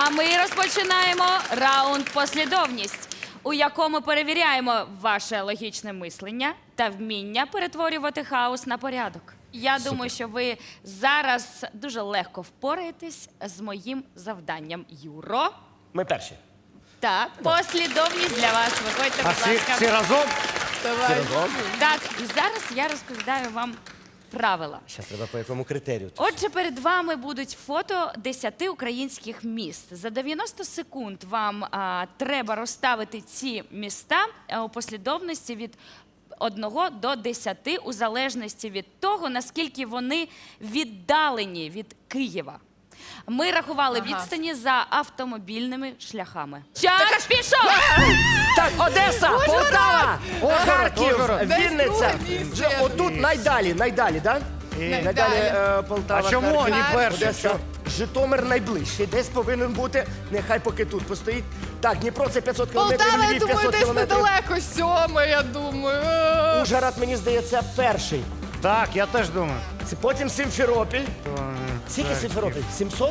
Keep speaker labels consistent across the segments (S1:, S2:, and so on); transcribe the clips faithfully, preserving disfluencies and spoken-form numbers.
S1: А ми розпочинаємо раунд «Послідовність», у якому перевіряємо ваше логічне мислення та вміння перетворювати хаос на порядок. Я Супер. думаю, що ви зараз дуже легко впораєтесь з моїм завданням. Юро.
S2: Ми перші.
S1: Так, послідовність для вас. Виходьте,
S3: А
S1: будь
S3: всі,
S1: ласка.
S3: всі разом?
S2: Давай.
S1: Так, і зараз я розповідаю вам правила.
S2: Зараз треба по якому критерію.
S1: Отже, перед вами будуть фото десяти українських міст. За дев'яносто секунд вам а, треба розставити ці міста а, у послідовності від одного до десяти, у залежності від того, наскільки вони віддалені від Києва. Ми рахували
S4: Ага.
S1: відстані за автомобільними шляхами. Час пішов!
S2: Так, Одеса, Полтава, Харків,
S3: Ужгород.
S2: Вінниця.
S4: Десь друге місце,
S2: Вже
S4: я
S2: отут найдалі, найдалі, так? Найдалі е, Полтава,
S3: А чому
S2: Харків,
S3: не перший?
S2: Одеса.
S3: Що?
S2: Житомир найближчий, десь повинен бути, нехай поки тут постоїть. Так, Дніпро це п'ятсот кілометрів,
S4: Полтава, я
S2: Львів
S4: думаю,
S2: п'ятсот
S4: десь
S2: кілометрів.
S4: недалеко. Сьоме, я думаю.
S2: Ужгород, мені здається, перший.
S3: Так, я теж думаю.
S2: Це потім Сімферополь.
S3: То, е,
S2: Скільки
S3: Харків.
S2: Сімферополь? сімсот?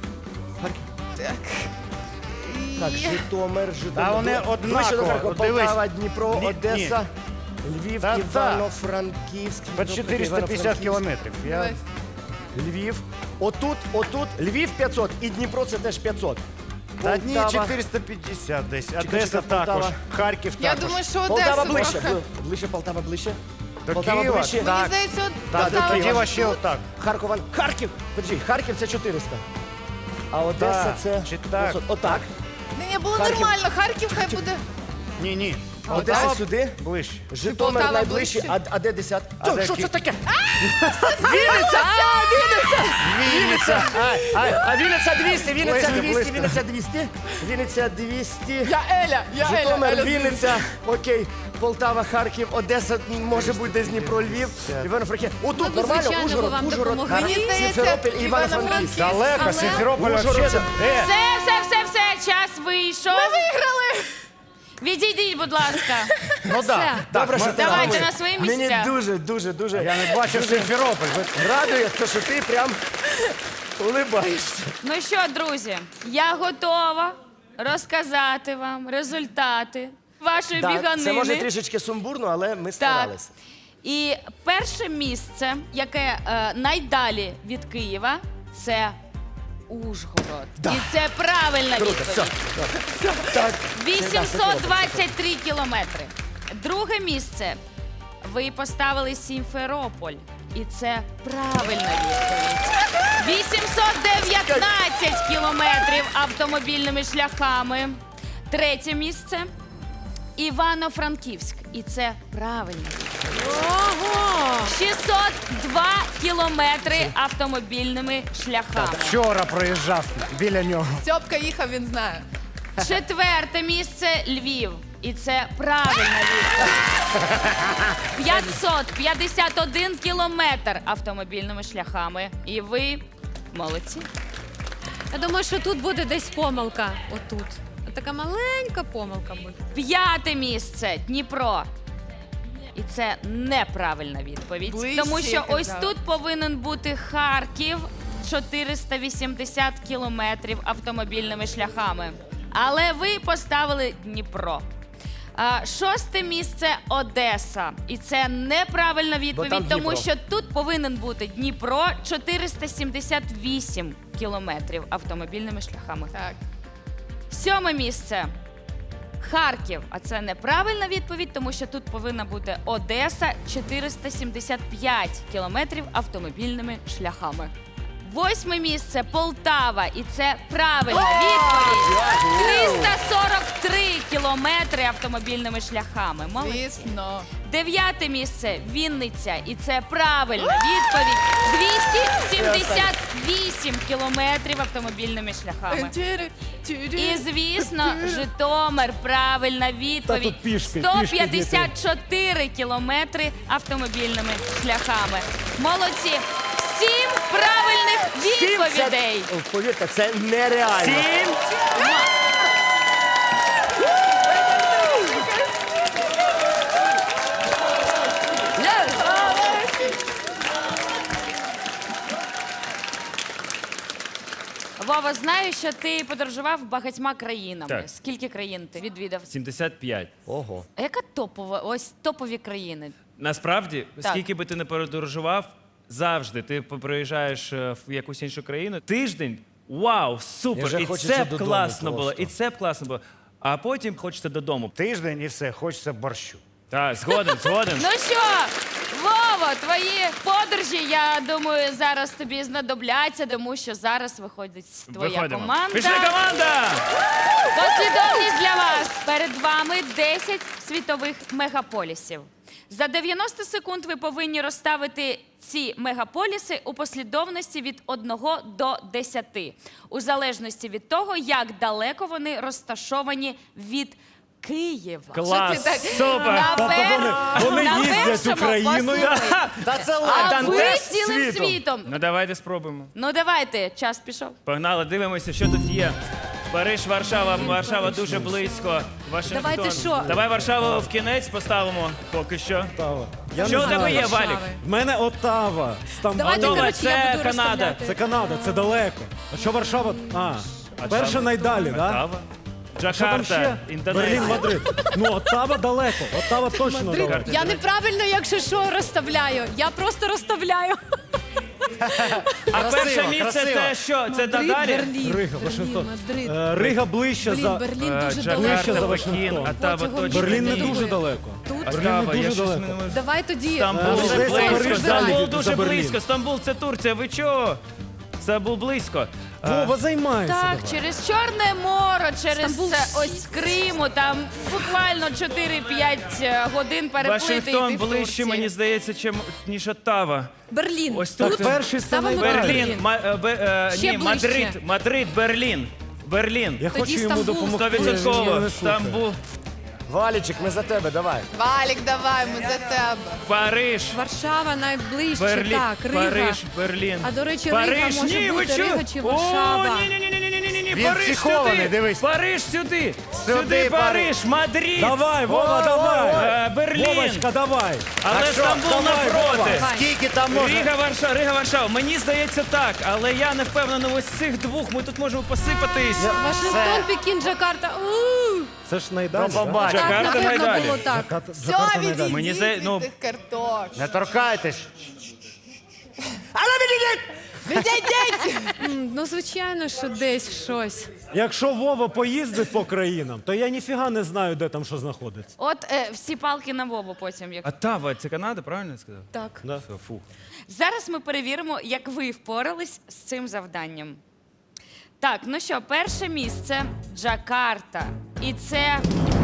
S4: Так.
S2: Так, Житомир, Житомир.
S3: Та вони
S2: Ближче до
S3: однаково.
S2: Харкова.
S3: От дивись.
S2: Полтава, Дніпро,
S3: Ні,
S2: Одеса, Львів,
S3: Та-та.
S2: Івано-Франківськ.
S3: По чотириста п'ятдесят кілометрів. Я...
S4: Давай.
S2: Львів. Отут, отут, Львів п'ятсот і Дніпро це теж п'ятсот.
S3: Та ні,
S2: Полтава.
S3: чотириста п'ятдесят десь.
S2: чекай,
S3: Одеса
S2: Полтава.
S3: також. Харків
S4: Я
S3: також.
S4: думаю, що
S2: Полтава
S4: Одеса
S2: ближче.
S4: трохи.
S2: Бли- Ближче, Полтава ближче.
S3: До
S2: Полтава
S3: Києва?
S2: ближче.
S4: Мені
S3: Так.
S4: здається, от
S3: Так,
S4: Полтава
S3: тоді
S4: ось
S3: вообще
S4: тут.
S3: отак.
S2: Харків, Харків. Подожди, Харків це чотириста. А Одеса
S3: Так,
S2: це
S3: чи так?
S2: п'ятсот. Отак.
S4: Ні, ні, було
S2: Харків.
S4: нормально. Харків хай буде.
S3: Ні, ні.
S2: Одеса
S3: Полтава
S2: сюди.
S3: ближче.
S2: Житомир
S4: Полтава
S2: найближче, а,
S4: ближче?
S2: а де десят?
S3: А де
S2: Що
S3: Ки-
S2: це таке? Вінниця! А, Вінниця! Вінниця! А, а, а Вінниця двісті, Вінниця
S3: Близько,
S2: двісті,
S3: близько.
S2: Вінниця двісті, Вінниця двісті.
S4: Я Еля, я Еля.
S2: Житомир,
S4: Еля
S2: Вінниця, окей, Полтава, Харків, Одеса, може бути десь Дніпро, Львів, Івано-Франківськ. Отут
S5: б,
S2: нормально,
S5: звичайно,
S2: Ужгород,
S5: вам
S2: Ужгород,
S5: допомогли.
S4: Мені
S2: Харків,
S4: здається,
S2: Сімферополь і
S4: Івано-Франківськ.
S2: Івано-Франківськ.
S3: Далеко,
S5: Але-
S3: Сімферополь
S2: Ужгород.
S3: вообще. Е,
S1: Все, все, все, все, час вийшов.
S4: Ми виграли.
S1: Відійдіть, будь ласка.
S3: Ну
S1: Все.
S3: так.
S2: Добре, що ти
S1: Давайте
S2: робиш.
S1: на свої
S2: Мені
S1: місця.
S2: дуже, дуже, дуже
S3: Я не бачив Сімферополь. Ви-
S2: радує, те, що ти прям улибаєшся.
S1: Ну що, друзі, я готова розказати вам результати вашої
S2: Так,
S1: біганини.
S2: це може трішечки сумбурно, але ми
S1: Так.
S2: старалися.
S1: І перше місце, яке е, найдалі від Києва, це Ужгород. І це правильна
S2: Круто,
S1: відповідь.
S2: все. Так.
S1: вісімсот двадцять три кілометри. Друге місце. Ви поставили Сімферополь. І це правильна відповідь. вісімсот дев'ятнадцять кілометрів автомобільними шляхами. Третє місце. Івано-Франківськ. І це правильно.
S5: Ого!
S1: шістсот два кілометри автомобільними шляхами.
S3: Вчора проїжджав біля нього.
S4: Стьопка їхав, він знає.
S1: Четверте місце Львів. І це правильна відповідь. п'ятсот п'ятдесят один кілометр автомобільними шляхами. І ви молодці.
S5: Я думаю, що тут буде десь помилка. Отут. Така маленька помилка буде.
S1: П'яте місце Дніпро. І це неправильна відповідь.
S4: Ближче,
S1: Тому що
S4: я
S1: ось
S4: казала.
S1: тут повинен бути Харків, чотириста вісімдесят кілометрів автомобільними шляхами. Але ви поставили Дніпро. А, шосте місце Одеса. І це неправильна
S2: там
S1: відповідь, тому
S2: Дніпро.
S1: що тут повинен бути Дніпро, чотириста сімдесят вісім кілометрів автомобільними шляхами.
S4: Так.
S1: Сьоме місце Харків. А це неправильна відповідь, тому що тут повинна бути Одеса, чотириста сімдесят п'ять кілометрів автомобільними шляхами. Восьме місце Полтава. І це правильна відповідь. триста сорок три кілометри автомобільними шляхами. Молодці.
S4: Звісно.
S1: Дев'яте місце Вінниця. І це правильна відповідь. двісті сімдесят вісім кілометрів автомобільними шляхами. І, звісно, Житомир. Правильна відповідь.
S2: тут пішки,
S1: сто
S2: пішки
S1: п'ятдесят чотири кілометри автомобільними шляхами. Молодці. Сім правильних відповідей.
S2: Це, повірте, це нереально.
S3: Сім.
S1: Вова, знаю, що ти подорожував багатьма країнами.
S2: Так.
S1: Скільки країн ти відвідав?
S2: сімдесят п'ять.
S3: Ого.
S1: А яка топова, ось топові країни?
S2: Насправді,
S1: Так.
S2: скільки би ти не подорожував, завжди ти приїжджаєш е, в якусь іншу країну. Тиждень, вау,
S3: Я
S2: супер!
S3: вже
S2: І
S3: хочеться
S2: це б
S3: додому
S2: класно було,
S3: просто.
S2: і це б класно було. А потім хочеться додому.
S3: Тиждень і все, хочеться борщу.
S2: Так, згоден, згоден.
S1: Ну що, Вова, твої подорожі, я думаю, зараз тобі знадобляться, тому що зараз виходить твоя
S2: Виходимо.
S1: команда.
S2: Пішли, команда!
S1: Послідовність для вас. Перед вами десять світових мегаполісів. За дев'яносто секунд ви повинні розставити ці мегаполіси у послідовності від одного до десяти, у залежності від того, як далеко вони розташовані від Києва.
S2: Клас,
S4: Що ти так-
S2: супер!
S1: На, пер...
S6: вони
S1: на
S6: їздять
S1: першому,
S6: Україною.
S1: послухай.
S3: Та це
S1: А
S3: легко.
S1: ви
S2: тест
S1: цілим
S3: світом.
S1: світом.
S2: Ну давайте спробуємо.
S1: Ну давайте, час пішов.
S2: Погнали, дивимося, що тут є. Париж, Варшава, Варшава дуже близько. Вашингтон.
S5: Давайте що?
S2: Давай Варшаву в кінець поставимо поки що.
S6: Оттава. Я
S2: Що
S6: не
S2: в тебе
S6: знаю.
S2: є, Валік?
S6: В мене Оттава, Стамбул.
S5: Давайте,
S2: Готова,
S5: коротше, я
S2: це
S5: буду
S2: Канада.
S5: розставляти.
S6: Це Канада, це далеко. А що Варшава? А, перша найдалі, так? Да?
S2: Оттава.
S6: Що там
S2: Джакарта,
S6: ще?
S2: Індонезія.
S6: Берлін, Мадрид. Ну, Оттава далеко. Оттава точно далеко.
S5: Я неправильно, якщо що, розставляю. Я просто розставляю.
S2: А перше
S3: Красиво,
S2: місце
S3: красиво.
S2: це що? Це
S5: Мадрид,
S2: далі?
S5: Берлін,
S6: Рига,
S5: Берлін,
S6: Вашингтон.
S5: Мадрид.
S6: Е, Рига ближче
S5: Блін,
S6: за...
S5: Берлін
S2: Е,
S5: дуже
S6: Ближче
S2: Джакарта,
S6: за
S5: далеко.
S2: Пекін,
S6: Вашингтон.
S2: Оттава
S5: Цього
S2: точно.
S6: Берлін не
S5: Ні.
S6: дуже далеко.
S5: Тут?
S2: Оттава,
S6: дуже
S2: я щось
S6: далеко.
S2: не можу-
S5: Давай тоді.
S2: Стамбул
S6: Е,
S2: це
S6: Париж
S2: близько.
S6: далі
S2: Стамбул
S6: від-
S2: дуже
S6: за Берлін.
S2: близько. Стамбул це Турція. Ви чого? Стамбул близько. Е,
S6: Вова, займайся.
S1: Так,
S6: давай.
S1: через Чорне море, через
S5: Стамбул.
S1: е, ось Криму, там буквально чотири-п'ять годин переплити. і ти
S2: Вашингтон
S1: в
S2: ближче,
S1: Турції.
S2: мені здається, чим, ніж Оттава.
S5: Берлін.
S2: Ось
S6: Так,
S2: тут
S6: перший це
S5: Ставимо
S6: найдалі.
S2: Берлін, Ма- е, Бе- е,
S5: Ще
S2: ні,
S5: ближче.
S2: Мадрид, Мадрид, Берлін. Берлін.
S6: Я
S5: Тоді
S6: хочу йому
S5: Стамбул.
S6: допомогти.
S2: Сто
S6: він мене
S2: відсотково.
S6: не слухає.
S2: Стамбул,
S3: Валічик, ми за тебе, давай.
S4: Валік, давай, ми за тебе.
S2: Париж,
S5: Варшава найближче,
S2: Берлін,
S5: так, Рига.
S2: Париж, Берлін.
S5: А, до речі, Рига
S2: Париж,
S5: може
S2: ні, ви
S5: бути,
S2: чого?
S5: Рига чи Варшава?
S2: О, ні, ні, ні, ні, ні, ні, ні, ні,
S3: Він
S2: Париж
S3: психований,
S2: сюди.
S3: дивись.
S2: Париж сюди.
S3: Сюди,
S2: Сюди, Париж, Мадрид.
S6: Давай, Вова, давай.
S2: Е, Берлін.
S6: Вовочка, давай.
S2: Але
S3: Так що,
S2: Стамбул
S6: давай,
S2: навпроти.
S6: Вова.
S3: Скільки там можна?
S2: Рига, Варшава, Рига, Варшава. Мені здається так, але я не впевнений, ось цих двох ми тут можемо посипатись.
S5: Вашингтон, Пекін, Джакарта. У!
S6: Це ж найдалі.
S3: До
S6: да?
S3: побачення.
S5: Так,
S2: Джакарта
S5: напевно,
S2: найдалі.
S5: було так.
S6: Джакарта-
S4: Все,
S6: Джакарта найдалі.
S4: відійдіть
S2: Мені
S4: від
S2: здається, ну-
S4: тих картош.
S3: Не торкайтесь.
S4: Відійдіть!
S5: М, Ну, звичайно, що десь щось.
S6: Якщо Вова поїздить по країнам, то я ніфіга не знаю, де там що знаходиться.
S1: От е, всі палки на Вову потім. Як...
S2: Оттава, це Канада, правильно я сказав?
S5: Так.
S6: Да?
S2: Все, фу.
S1: Зараз ми перевіримо, як ви впорались з цим завданням. Так, ну що, перше місце Джакарта. І це.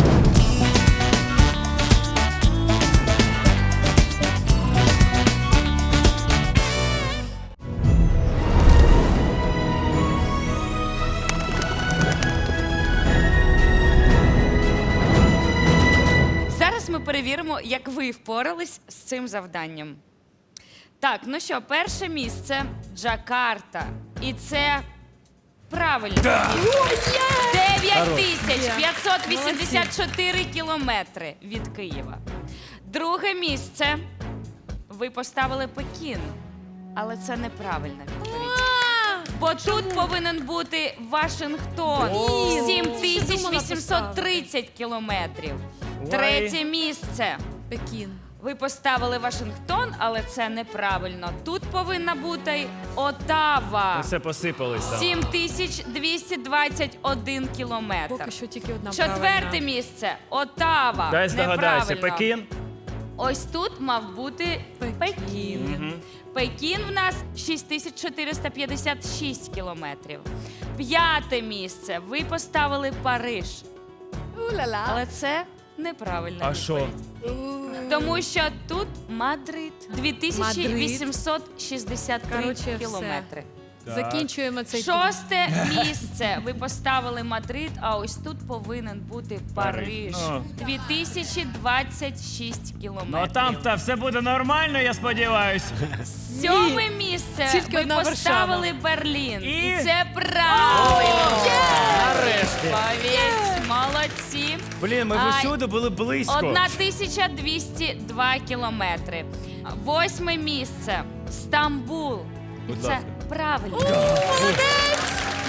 S1: Зараз ми перевіримо, як ви впорались з цим завданням. Так, ну що, перше місце Джакарта. І це правильно. дев'ять тисяч п'ятсот вісімдесят чотири кілометри від Києва. Друге місце ви поставили Пекін. Але це неправильна відповідь. Бо тут повинен бути Вашингтон. сім тисяч вісімсот тридцять кілометрів. Третє місце.
S5: Пекін.
S1: Ви поставили Вашингтон, але це неправильно. Тут повинна бути Оттава.
S2: Все посипались там.
S1: сім тисяч двісті двадцять один кілометр.
S5: Поки що тільки одна
S1: Четверте
S5: правильна.
S1: місце Оттава.
S2: Дай здогадайся,
S1: Неправильно.
S2: Пекін.
S1: Ось тут мав бути Пекін. Пекін в нас шість тисяч чотириста п'ятдесят шість кілометрів. П'яте місце. Ви поставили Париж.
S4: У-ла-ла.
S1: Але це неправильна
S2: А
S1: відповідь.
S2: що?
S1: Тому що тут Мадрид дві тисячі вісімсот шістдесят три
S5: Коротше, все.
S1: кілометри.
S5: Закінчуємо цей тур.
S1: Шосте місце. Ви поставили Мадрид, а ось тут повинен бути Париж.
S2: Ну.
S1: дві тисячі двадцять шість
S2: Ну
S1: кілометрів.
S2: там та все буде нормально, я сподіваюся.
S1: Сьоме місце.
S5: Тільки
S1: ви
S5: одна
S1: поставили Берлін. І,
S2: І?
S1: це правильно.
S3: Нарешті.
S1: Відповідь. Молодці.
S2: Блін, ми
S1: Ай.
S2: всюди були близько.
S1: одна тисяча двісті два кілометри. Восьме місце. Стамбул. І
S2: Будь
S1: це
S2: ласка.
S1: правильно.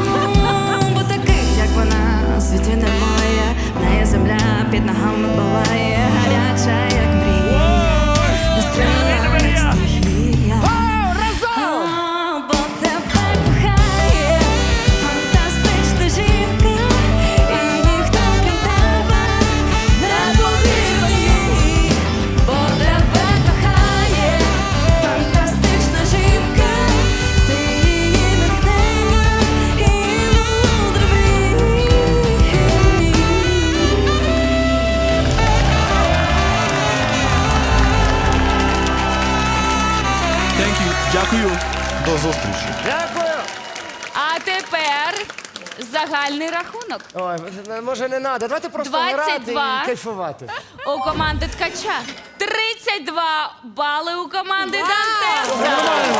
S7: зустрічі.
S3: Дякую.
S1: А тепер загальний рахунок.
S3: Ой, може не треба. Давайте просто
S1: двадцять
S3: грати
S1: два.
S3: і кайфувати.
S1: У команди Ткача тридцять два бали у команди Дантеса.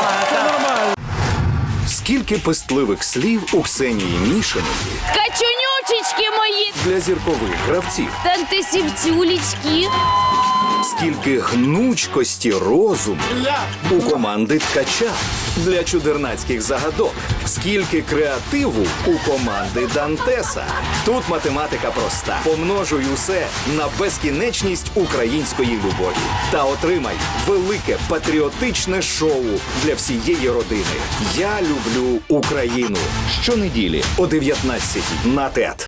S8: Скільки пестливих слів у Ксенії Мішиної
S1: Ткачунючечки мої,
S8: для зіркових гравців.
S1: дантесівцюлічки.
S8: Скільки гнучкості розуму у команди Ткача для чудернацьких загадок. Скільки креативу у команди Дантеса. Тут математика проста. Помножуй усе на безкінечність української любові. Та отримай велике патріотичне шоу для всієї родини. Я люблю Україну. Щонеділі о дев'ятнадцятій на ТЕТ.